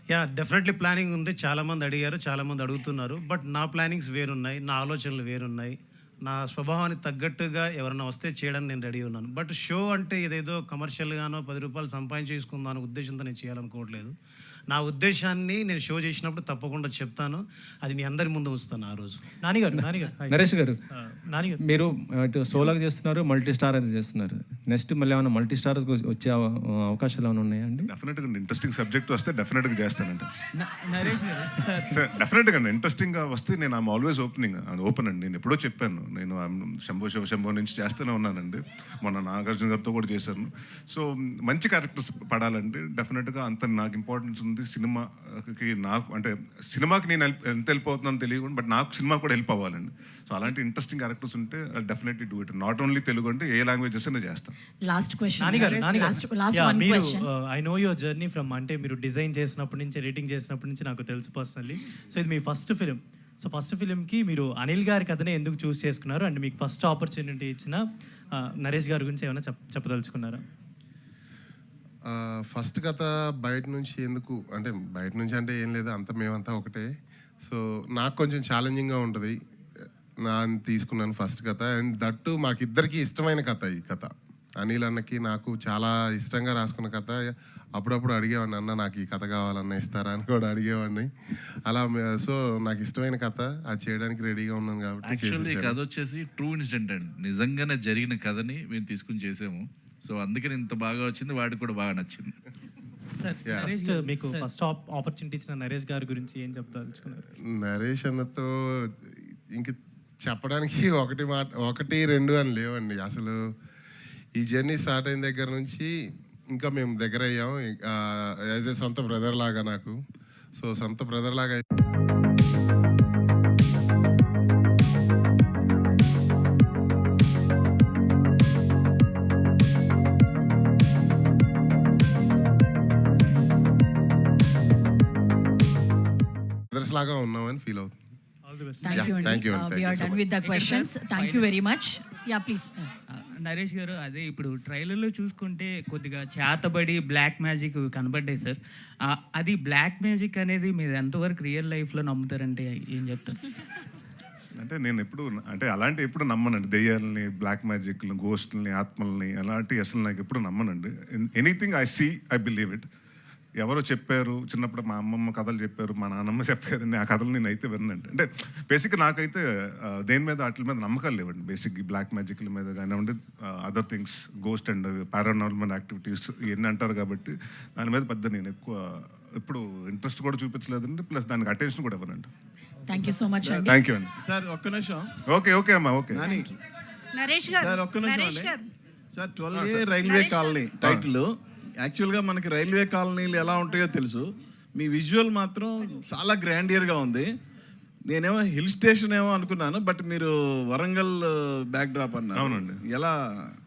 Definitely planning ఉంది. చాలామంది అడిగారు, చాలామంది అడుగుతున్నారు. బట్ నా ప్లానింగ్స్ వేరున్నాయి, నా ఆలోచనలు వేరున్నాయి. నా స్వభావానికి తగ్గట్టుగా ఎవరైనా వస్తే చేయడానికి నేను రెడీ ఉన్నాను. బట్ షో అంటే ఇదేదో కమర్షియల్గానో 10 రూపాయలు సంపాదించేసుకుందాం అనే ఉద్దేశంతో నేను చేయాలనుకోవట్లేదు. నా ఉద్దేశాన్ని నేను షో చేసినప్పుడు తప్పకుండా చెప్తాను. అది మీ అందరి ముందు ఉంచుతాను ఆ రోజు. నరేష్ గారు, మీరు ఇటు సోలాగా చేస్తున్నారు, మల్టీ స్టార్ అని చేస్తున్నారు. నెక్స్ట్ మళ్ళీ ఏమైనా మల్టీ స్టార్ వచ్చే అవకాశాలు ఏమైనా ఉన్నాయా అండి? డెఫినెట్గా ఇంట్రెస్టింగ్ సబ్జెక్ట్ వస్తే డెఫినెట్గా చేస్తానండి. సార్ డెఫినెట్గా ఇంట్రెస్టింగ్గా వస్తే నేను ఐఎమ్ ఆల్వేస్ ఓపెన్ అండి. నేను ఎప్పుడో చెప్పాను, నేను శంభో నుంచి చేస్తూనే ఉన్నానండి. మొన్న నాగార్జున గారితో కూడా చేశాను. సో మంచి క్యారెక్టర్స్ పడాలండి. డెఫినెట్గా అంత నాకు ఇంపార్టెన్స్ ఉంది సినిమాకి. నాకు అంటే సినిమాకి నేను ఎంత హెల్ప్ అవుతున్నాను తెలియదు, బట్ నాకు సినిమా కూడా హెల్ప్ అవ్వాలండి. సో అలాంటి ఇంట్రెస్టింగ్ క్యారెక్టర్స్ ఉంటే definitely do it. Not only Telugu అంటే ఏ లాంగ్వేజెస్ అయినా చేస్తాను. Last question I know your journey from, అంటే మీరు డిజైన్ చేసినప్పటి నుంచి, ఎడిటింగ్ చేసినప్పటి నుంచి నాకు తెలుసు పర్సనల్లీ. సో ఇది మీ ఫస్ట్ ఫిలిం. సో ఫస్ట్ ఫిలింకి మీరు అనిల్ గారి కథనే ఎందుకు చూస్ చేసుకున్నారు? అండ్ మీకు ఫస్ట్ ఆపర్చునిటీ ఇచ్చిన నరేష్ గారి గురించి ఏమైనా చెప్పదలుచుకున్నారా? ఫస్ట్ కథ బయట నుంచి ఎందుకు అంటే, బయట నుంచి అంటే ఏం లేదు, అంతా మేమంతా ఒకటే. సో నాకు కొంచెం ఛాలెంజింగ్గా ఉంటుంది. తీసుకున్నాను ఫస్ట్ కథ. అండ్ దట్టు మాకిద్దరికి ఇష్టమైన కథ ఈ కథ. అనిల్ అన్నకి నాకు చాలా ఇష్టంగా రాసుకున్న కథ. అప్పుడప్పుడు అడిగేవాడిని, అన్న నాకు ఈ కథ కావాలన్న ఇస్తారా అని కూడా అడిగేవాడిని. అలా సో నాకు ఇష్టమైన కథ, అది చేయడానికి రెడీగా ఉన్నాను కాబట్టి. యాక్చువల్లీ ఈ కథ వచ్చేసి ట్రూ ఇన్సిడెంట్ అండి, నిజంగానే జరిగిన కథని మేము తీసుకుని చేసాము. సో అందుకని ఇంత బాగా వచ్చింది, వాడికి కూడా బాగా నచ్చింది. మీకు ఫస్ట్ ఆపర్చునిటీ ఇచ్చిన నరేష్ గారి గురించి ఏం చెప్తారు? నరేష్ అన్నతో ఇంక చెప్పడానికి ఒకటి రెండు అని లేవండి. అసలు ఈ జర్నీ స్టార్ట్ అయిన దగ్గర నుంచి ఇంకా మేము దగ్గర అయ్యాం. యాజ్ ఏ సొంత బ్రదర్ లాగా నాకు. సో సొంత బ్రదర్ లాగా బ్రదర్స్ లాగా ఉన్నామని ఫీల్ అవుతుంది. Thank you. We are done with the questions. Thank you very much. Yeah, please. Naresh గారు, అదే ఇప్పుడు ట్రైలర్లో చూసుకుంటే కొద్దిగా చేతబడి బ్లాక్ మ్యాజిక్ కనబడ్డాయి సార్. అది బ్లాక్ మ్యాజిక్ అనేది మీరు ఎంతవరకు రియల్ లైఫ్లో నమ్ముతారంటే ఏం చెప్తారు? అంటే నేను ఎప్పుడు అంటే అలాంటి ఎప్పుడు నమ్మనండి. దెయ్యాలని, బ్లాక్ మ్యాజిక్ని, గోస్ట్ని, ఆత్మల్ని అలాంటి అసలు నాకు ఎప్పుడు నమ్మనండి. Anything I see, I believe it. ఎవరో చెప్పారు చిన్నప్పుడు, మా అమ్మమ్మ కథలు చెప్పారు, మా నాన్నమ్మ చెప్పారు, ఆ కథలు నేను అయితే వినండి. అంటే బేసిక్గా నాకైతే దేని మీద వాటి మీద నమ్మకాలు లేవండి. బేసిక్ బ్లాక్ మ్యాజిక్ల మీద కానివ్వండి, other things, ghost and paranormal activities ఇవన్నీ అంటారు కాబట్టి దాని మీద పెద్ద నేను ఎక్కువ ఎప్పుడు ఇంట్రెస్ట్ కూడా చూపించలేదండి. ప్లస్ దానికి అటెన్షన్ కూడా ఇవ్వనండి. Thank you so much. Thank you అండి. సార్ ఒక్క నిమిషం. ఓకే అమ్మా, ఓకే. నరేష్ గారు సార్ ఒక్క నిమిషం. Sir 12A railway colony title. యాక్చువల్గా మనకి రైల్వే కాలనీలు ఎలా ఉంటాయో తెలుసు. మీ విజువల్ మాత్రం చాలా గ్రాండియర్గా ఉంది. నేనేమో హిల్ స్టేషన్ ఏమో అనుకున్నాను, బట్ మీరు వరంగల్ బ్యాక్ డ్రాప్ అన్నారు. అవునండి. ఎలా